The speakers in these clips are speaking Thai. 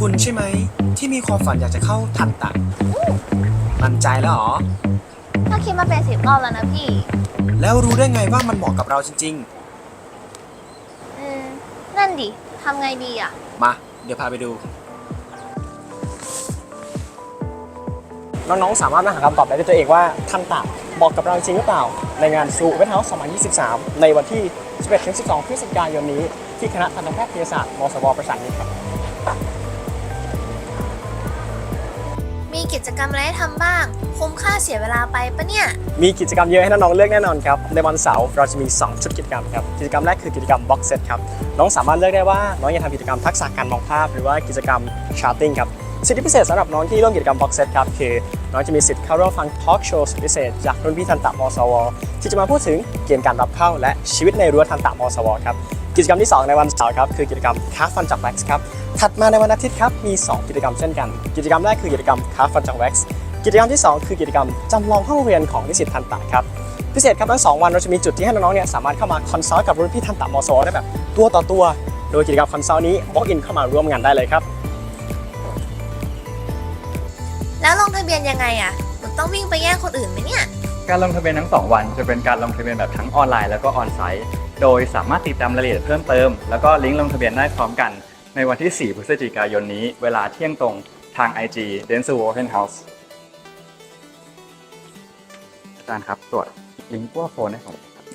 คุณใช่ไหมที่มีความฝันอยากจะเข้าทันตะมั่นใจแล้วเหรอถ้าคิดมาเป็น10 รอบแล้วนะพี่แล้วรู้ได้ไงว่ามันเหมาะกับเราจริงนั่นดิทำไงดีอ่ะๆมาเดี๋ยวพาไปดูน้องๆสามารถมาหาคำตอบได้ด้วยตัวเองว่าทันตะเหมาะกับเราจริงหรือเปล่าในงานซูเวทเฮาส์2023ในวันที่ 11-12 พฤศจิกายนนี้ที่คณะทันตแพทยศาสตร์มศว.ประสานมิตรครับมีกิจกรรมอะไรให้ทำบ้างคุ้มค่าเสียเวลาไปปะเนี่ยมีกิจกรรมเยอะให้น้องๆเลือกแน่นอนครับในวันเสาร์เราจะมี2ชุดกิจกรรมครับกิจกรรมแรกคือกิจกรรม Box Set ครับน้องสามารถเลือกได้ว่าน้องอยากทำกิจกรรมทักษะการมองภาพหรือว่ากิจกรรม Charting ครับสิทธิพิเศษสำหรับน้องที่ร่วมกิจกรรม Box Set ครับคือน้องจะมีสิทธิ์เข้าร่วมฟังทอล์กโชว์สุดพิเศษจากรุ่นพี่ทันตะมศว.ที่จะมาพูดถึงเกณฑ์การรับเข้าและชีวิตในรั้วทันตะมศว.ครับกิจกรรมที่2ในวันเสาร์ครับคือกิจกรรม Car Fun จาก Wax ครับถัดมาในวันอาทิตย์ครับมี2กิจกรรมเช่นกันกิจกรรมแรกคือกิจกรรม Car Fun จาก Wax กิจกรรมที่2คือกิจกรรมจำลองห้องเรียนของนิสิตทันตะครับพิเศษครับทั้ง2วันเราจะมีจุดที่ให้น้องๆเนี่ยสามารถเข้ามาคอนซัลท์กับรุ่นพี่ทันตะมศว.ได้แบบตัวต่อตัวโดยกิจกรรมคอนซัลท์นี้ walk in เข้ามาร่วมงานได้เลยครับแล้วลงทะเบียนยังไงอ่ะหนูต้องวิ่งไปแย่งคนอื่นไหมเนี่ยการลงทะเบียนทั้ง2วันจะเป็นการลงทะเบียนแบบทั้งออนไลน์แล้วก็ออนไซต์โดยสามารถติดตามรายละเอียดเพิ่มเติมแล้วก็ลิงก์ลงทะเบียนได้พร้อมกันในวันที่ 4 พฤศจิกายนนี้เวลาเที่ยงตรงทาง IG Dentsu Open House อาจารย์ครับตรวจลิงก์ขั้วโฟนให้ผมครับ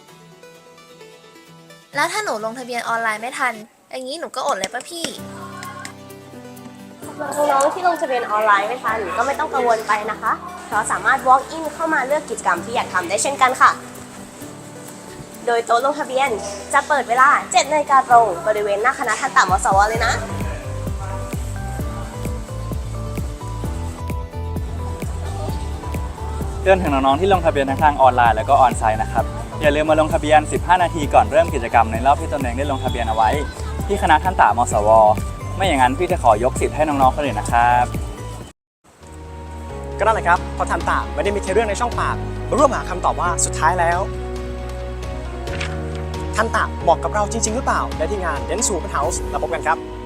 แล้วถ้าหนูลงทะเบียนออนไลน์ไม่ทันอย่างนี้หนูก็อดเลยป่ะพี่น้องๆที่ลงทะเบียนออนไลน์ไม่ทันก็ไม่ต้องกังวลไปนะคะเพราะสามารถ walk in เข้ามาเลือกกิจกรรมที่อยากทำได้เช่นกันค่ะโดยโต๊ะลงทะเบียนจะเปิดเวลา 7 นาฬิกาตรงบริเวณหน้าคณะทันตมศว.เลยนะเตือนถึงน้องๆที่ลงทะเบียนทั้งทางออนไลน์แล้วก็ออนไซต์นะครับอย่าลืมมาลงทะเบียน 15 นาทีก่อนเริ่มกิจกรรมในรอบที่ตนเองได้ลงทะเบียนเอาไว้ที่คณะทันตมศว.ไม่อย่างนั้นพี่จะขอยกสิทธิ์ให้น้องๆคนอื่นนะครับก็นั่นแหละครับเพราะทันตะไม่ได้มีแค่เรื่องในช่องปากมาร่วมหาคำตอบว่าสุดท้ายแล้วทันตะเหมาะกับเราจริงๆหรือเปล่าได้ที่งาน Dentsu Open House แล้วพบกันครับ